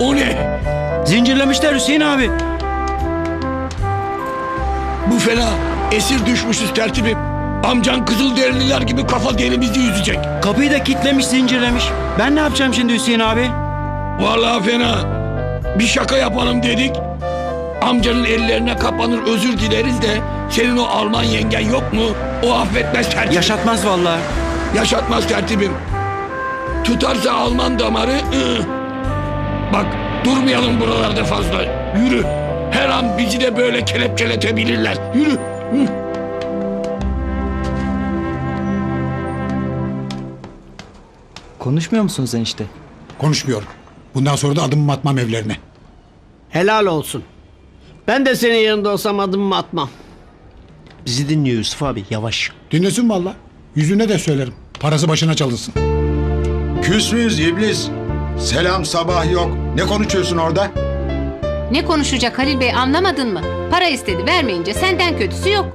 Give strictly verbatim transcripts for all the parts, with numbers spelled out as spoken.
O ne? Zincirlemişler Hüseyin abi. Bu fena. Esir düşmüşüz tertibim. Amcan Kızılderililer gibi kafa derimizi yüzecek. Kapıyı da kitlemiş, zincirlemiş. Ben ne yapacağım şimdi Hüseyin abi? Vallahi fena. Bir şaka yapalım dedik. Amcanın ellerine kapanır özür dileriz de senin o Alman yengen yok mu? O affetmez tertibim. Yaşatmaz vallahi. Yaşatmaz tertibim. Tutarsa Alman damarı... ıı. Bak durmayalım buralarda fazla. Yürü. Her an bizi de böyle kelepçeletebilirler. Yürü. Hı. Konuşmuyor musunuz enişte? Konuşmuyorum. Bundan sonra da adımımı atmam evlerine. Helal olsun. Ben de senin yanında olsam adımımı atmam. Bizi dinliyor Yusuf abi, yavaş. Dinlesin valla. Yüzüne de söylerim. Parası başına çalınsın. Küs müyüz iblis? Selam sabah yok. Ne konuşuyorsun orada? Ne konuşacak Halil Bey anlamadın mı? Para istedi vermeyince senden kötüsü yok.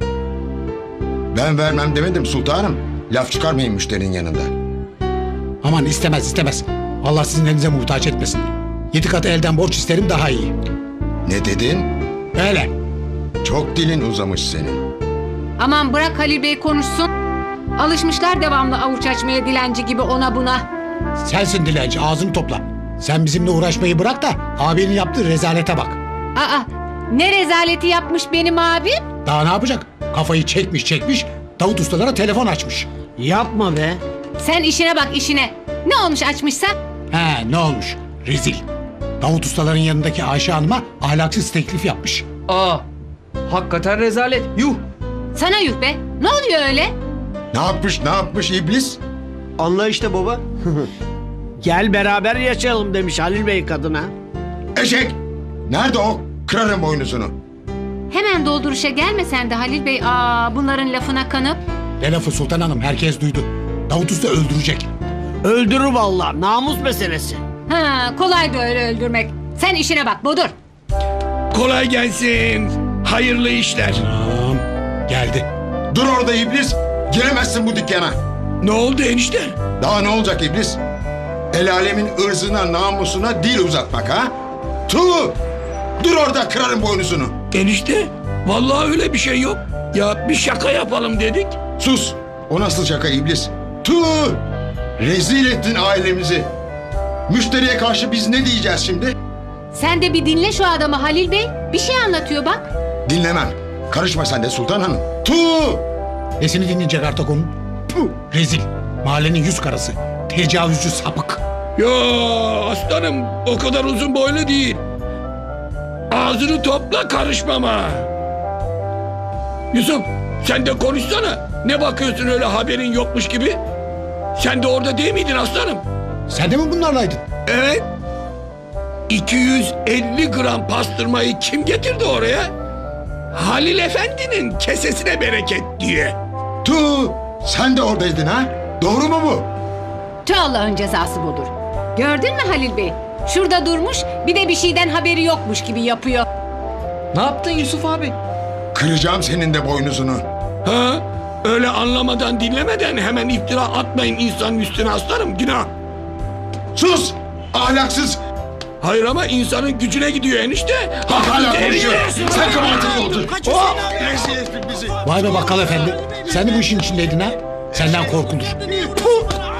Ben vermem demedim sultanım. Laf çıkarmayın müşterinin yanında. Aman istemez istemez. Allah sizin elinize muhtaç etmesin. Yedi kat elden borç isterim daha iyi. Ne dedin? Öyle. Çok dilin uzamış senin. Aman bırak Halil Bey konuşsun. Alışmışlar devamlı avuç açmaya dilenci gibi ona buna. Sensin dilenci, ağzını topla. Sen bizimle uğraşmayı bırak da abinin yaptığı rezalete bak. Aa ne rezaleti yapmış benim abim? Daha ne yapacak? Kafayı çekmiş çekmiş, Davut ustalara telefon açmış. Yapma be. Sen işine bak işine. Ne olmuş açmışsa? He ne olmuş? Rezil. Davut ustaların yanındaki Ayşe Hanım'a ahlaksız teklif yapmış. Aa, hakikaten rezalet. Yuh. Sana yuh be. Ne oluyor öyle? Ne yapmış ne yapmış iblis? Anla işte baba. Gel beraber yaşayalım demiş Halil Bey kadına. Eşek! Nerede o? Kırarım boynuzunu. Hemen dolduruşa gelme sen de Halil Bey. Aa bunların lafına kanıp. Ne lafı Sultan Hanım, herkes duydu. Davut usta öldürecek. Öldürür vallahi, namus meselesi. Ha kolay da öyle öldürmek. Sen işine bak Bodur. Kolay gelsin. Hayırlı işler. Tamam, geldi. Dur orada iblis. Giremezsin bu dükkana. Ne oldu enişte? Daha ne olacak iblis? El alemin ırzına namusuna dil uzatmak ha? Tuh! Dur orada kırarım boynuzunu. Enişte vallahi öyle bir şey yok. Ya bir şaka yapalım dedik. Sus! O nasıl şaka iblis? Tuh! Rezil ettin ailemizi. Müşteriye karşı biz ne diyeceğiz şimdi? Sen de bir dinle şu adamı Halil Bey. Bir şey anlatıyor bak. Dinlemem. Karışma sen de Sultan Hanım. Tuh! Nesini dinleyecek artık onun? Puh, rezil. Mahallenin yüz karası. Tecavüzcü sapık. Ya aslanım o kadar uzun boylu değil. Ağzını topla karışmama. Yusuf sen de konuşsana. Ne bakıyorsun öyle haberin yokmuş gibi? Sen de orada değil miydin aslanım? Sen de mi bunlarlaydın? Evet. iki yüz elli gram pastırmayı kim getirdi oraya? Halil Efendi'nin kesesine bereket diye. Tuh! Sen de oradaydın ha? Doğru mu bu? Tüh Allah'ın cezası budur. Gördün mü Halil Bey? Şurada durmuş bir de bir şeyden haberi yokmuş gibi yapıyor. Ne yaptın Yusuf abi? Kıracağım senin de boynuzunu. Ha? Öyle anlamadan dinlemeden hemen iftira atmayın insanın üstüne aslanım günah. Sus! Ahlaksız! Hayır ama insanın gücüne gidiyor enişte. Bak hala Deli konuşuyor. diyorsun. Sen kabahatini oldun. Oh! Rezil ettin bizi. Vay be bakkal efendi. Sen de bu işin içindeydin ha? Senden korkulur. Puh!